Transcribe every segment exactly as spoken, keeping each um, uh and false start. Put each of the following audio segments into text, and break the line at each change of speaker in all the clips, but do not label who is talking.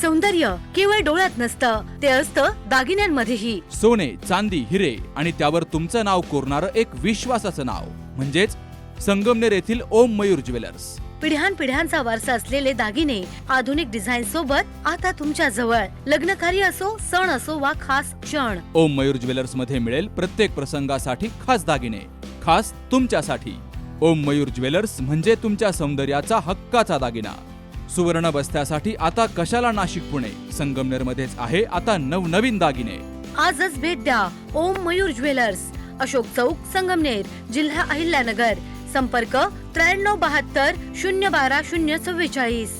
सौंदर्य केवळ डोळ्यात नसतं, ते असतं दागिन्यांमध्येही.
सोने, चांदी, हिरे आणि त्यावर तुमचं नाव कोरणारं एक विश्वासाचं नाव म्हणजेच संगमनेर येथील ओम मयूर ज्वेलर्स.
पिढ्यानपिढ्यांचा वारसा असलेले दागिने आधुनिक डिझाईन सोबत आता तुमच्या जवळ. लग्नकार्य असो, सण असो वा खास क्षण,
ओम मयूर ज्वेलर्स मध्ये मिळेल प्रत्येक प्रसंगासाठी खास दागिने, खास तुमच्यासाठी. ओम मयूर ज्वेलर्स म्हणजे तुमच्या सौंदर्याचा हक्काचा दागिना. सुवर्ण बस्त्यासाठी आता कशाला नाशिक पुणे, संगमनेर मध्येच आहे आता नवनवीन दागिने.
आजच भेट द्या ओम मयूर ज्वेलर्स, अशोक चौक, संगमनेर, जिल्हा अहिल्यानगर. संपर्क त्र्याण्णव बहात्तर शून्य बारा शून्य चव्वेचाळीस.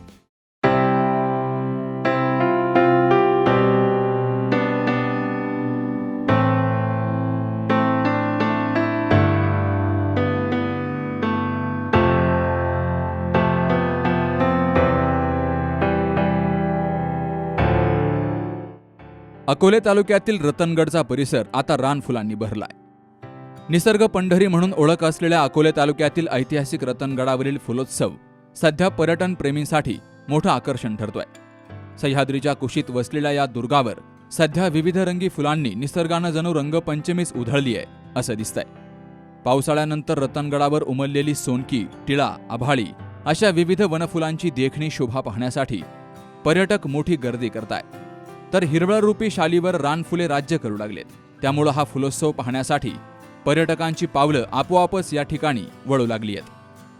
अकोले तालुक्यातील रतनगडचा परिसर आता रानफुलांनी भरलाय. निसर्ग पंढरी म्हणून ओळख असलेल्या अकोले तालुक्यातील ऐतिहासिक रतनगडावरील फुलोत्सव सध्या पर्यटन प्रेमींसाठी मोठं आकर्षण ठरतोय. सह्याद्रीच्या कुशीत वसलेल्या या दुर्गावर सध्या विविध रंगी फुलांनी निसर्गानं जणू रंगपंचमीच उधळली आहे असं दिसतंय. पावसाळ्यानंतर रतनगडावर उमललेली सोनकी, टिळा, आभाळी अशा विविध वनफुलांची देखणी शोभा पाहण्यासाठी पर्यटक मोठी गर्दी करताय. तर हिरवळरूपी शालीवर रानफुले राज्य करू लागलेत. त्यामुळं हा फुलोत्सव पाहण्यासाठी पर्यटकांची पावलं आपोआपच या ठिकाणी वळू लागली आहेत.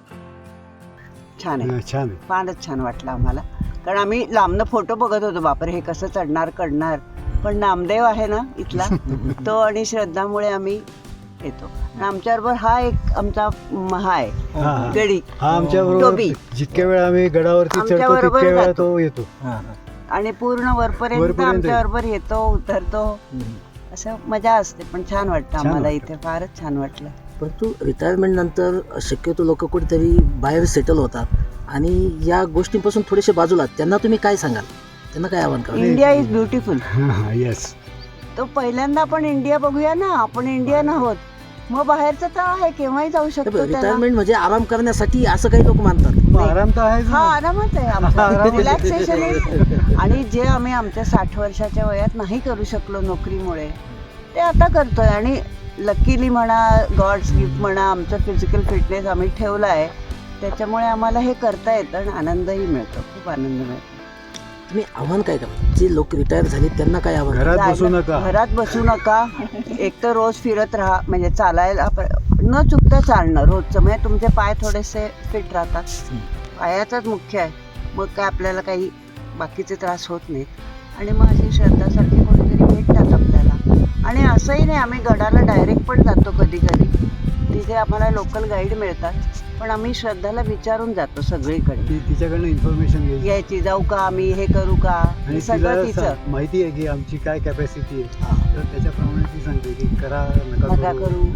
छान आहे,
छान
फारच छान वाटलं आम्हाला. कारण आम्ही लांबनं फोटो बघत होतो, बापरे हे कसं चढणार करणार, पण नामदेव आहे ना इथला तो आणि श्रद्धामुळे आम्ही येतो. आमच्याबरोबर हा एक आमचा हा आहे गडी,
हा आमच्याबरोबर जितक्या वेळा आम्ही गडावरती चढतो तितक्या वेळा तो येतो
आणि पूर्ण वरपर्यंत आमच्याबरोबर येतो, उतरतो. असं मजा असते. पण छान वाटतं आम्हाला इथे, फारच छान वाटलं.
परंतु रिटायरमेंट नंतर शक्यतो लोक कुठेतरी बाहेर सेटल होतात आणि या गोष्टींपासून थोडेसे बाजूला, त्यांना तुम्ही काय सांगाल, त्यांना काय आव्हान कराल?
India is beautiful.
येस,
तो पहिल्यांदा आपण इंडिया बघूया ना. आपण इंडियन आहोत, मग बाहेरचं तर आहे, केव्हाही जाऊ शकतो.
रिटायरमेंट म्हणजे आराम करण्यासाठी असं काही लोक मानतात.
आराम तर आहे,
हा आरामच आहे आमचा, रिलॅक्सेशन आहे. आणि जे आम्ही आमच्या साठ वर्षाच्या वयात नाही करू शकलो नोकरीमुळे, ते आता करतोय. आणि लकीली म्हणा, गॉड्स गिफ्ट म्हणा, आमचं फिजिकल फिटनेस आम्ही ठेवला आहे, त्याच्यामुळे आम्हाला हे करता येतं आणि आनंदही मिळतो, खूप आनंद मिळतो.
तुम्ही आव्हान काय करा, जे लोक रिटायर झाले त्यांना काय आव्हान?
घरात बसू नका,
घरात बसू नका. एक तर रोज फिरत राहा, म्हणजे चालायला न चुकता चालणं रोजचं, म्हणजे तुमचे पाय थोडेसे फिट राहतात. पायाचाच मुख्य आहे, मग काय आपल्याला काही बाकीचे त्रास होत नाहीत. आणि मग अशी श्रद्धासारखी कोणीतरी भेटतात आपल्याला. आणि असंही नाही, आम्ही गडाला डायरेक्ट पण जातो कधी कधी, तिथे आम्हाला लोकल गाईड मिळतात, पण आम्ही श्रद्धाला विचारून जातो सगळीकडे.
तिच्याकडनं इन्फॉर्मेशन
यायची, जाऊ का आम्ही, हे करू का, हे सगळं तिचं
माहिती आहे की आमची काय कॅपॅसिटी आहे, तर त्याच्याप्रमाणे ती सांगते की करा
नका करू.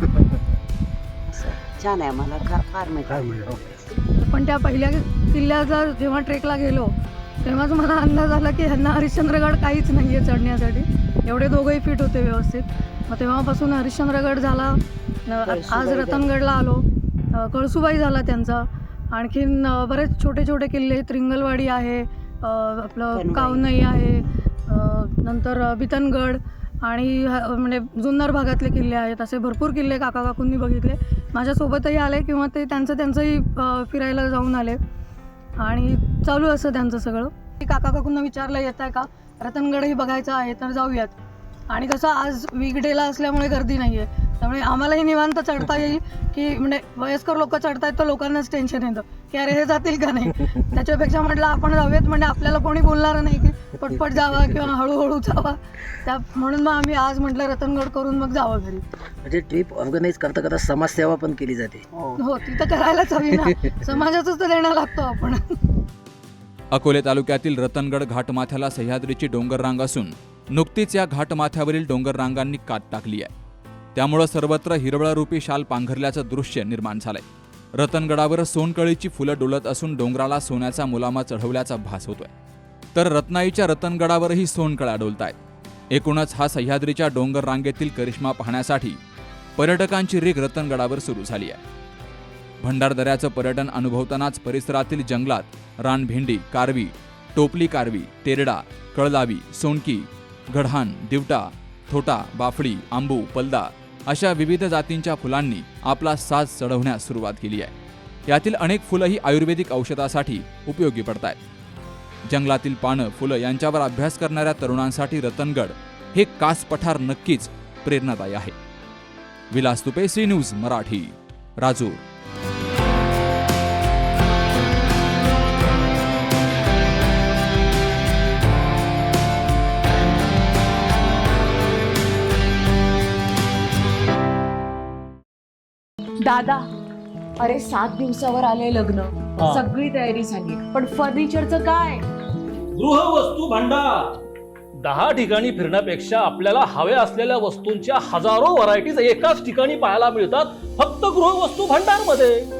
छान आहे, आम्हाला फार मजा.
पण त्या पहिल्या किल्ल्याचा जेव्हा ट्रेकला गेलो तेव्हाच मला अंदाज आला की ह्यांना हरिश्चंद्रगड काहीच नाही आहे चढण्यासाठी. एवढे दोघंही फिट होते व्यवस्थित. मग तेव्हापासून हरिश्चंद्रगड झाला, आज रतनगडला आलो, कळसुबाई झाला त्यांचा. आणखीन बरेच छोटे छोटे किल्ले, त्रिंगलवाडी आहे, आपलं कावनई आहे, नंतर बितनगड आणि म्हणजे जुन्नर भागातले किल्ले आहेत. असे भरपूर किल्ले काका काकूंनी बघितले, माझ्यासोबतही आले किंवा ते त्यांचं त्यांचंही फिरायला जाऊन आले. आणि चालू असं त्यांचं सगळं. काका काकूंना विचारलं येत आहे का, रतनगडही बघायचं आहे तर जाऊयात. आणि कसं आज वीकडेला असल्यामुळे गर्दी नाही आहे, त्यामुळे आम्हालाही निवांत चढता येईल. की म्हणजे वयस्कर लोक चढतायत तर लोकांनाच टेन्शन येतं की अरे हे जातील का नाही. त्याच्यापेक्षा म्हटलं आपण जाऊयात, म्हणजे आपल्याला कोणी बोलणार नाही की पटपट जावा किंवा हळूहळू जावा. त्या म्हणून मग आम्ही आज म्हटलं रतनगड करून मग जावं घरी.
म्हणजे ट्रिप ऑर्गनाईज करता करता समाजसेवा पण केली जाते.
हो, ती तर करायलाच हवी ना, समाजाचंच तर देणं लागतो आपण.
अकोले तालुक्यातील रतनगड घाटमाथ्याला सह्याद्रीची डोंगररांग असून नुकतीच या घाटमाथ्यावरील डोंगररांगांनी कात टाकली आहे. त्यामुळं सर्वत्र हिरवळरूपी शाल पांघरल्याचं दृश्य निर्माण झालंय. रतनगडावर सोनकळीची फुलं डोलत असून डोंगराला सोन्याचा मुलामा चढवल्याचा भास होतोय. तर रत्नाईच्या रतनगडावरही सोनकळ्या डोलतायत. एकूणच हा सह्याद्रीच्या डोंगर रांगेतील करिश्मा पाहण्यासाठी पर्यटकांची रीघ रतनगडावर सुरू झाली आहे. भंडारदऱ्याचं पर्यटन अनुभवतानाच परिसरातील जंगलात रानभेंडी, कारवी, टोपली कारवी, तेरडा, कळदावी, सोनकी, गढहान, दिवटा, थोटा, बाफडी, आंबू, पलदा अशा विविध जातींच्या फुलांनी आपला साज चढवण्यास सुरुवात केली आहे. यातील अनेक फुलंही आयुर्वेदिक औषधासाठी उपयोगी पडतायत. जंगलातील पानं, फुलं यांच्यावर अभ्यास करणाऱ्या तरुणांसाठी रतनगड हे कास पठार नक्कीच प्रेरणादायी आहे. Vilas Tupe, C news Marathi, Rajur.
दादा, अरे सात दिवसावर आले लग्न, सगळी तयारी झाली, पण फर्निचरचं काय?
गृहवस्तू भांडार. दहा ठिकाणी फिरण्यापेक्षा आपल्याला हव्या असलेल्या वस्तूंच्या हजारो व्हरायटीज एकाच ठिकाणी पाहायला मिळतात फक्त गृहवस्तू भांडार मध्ये.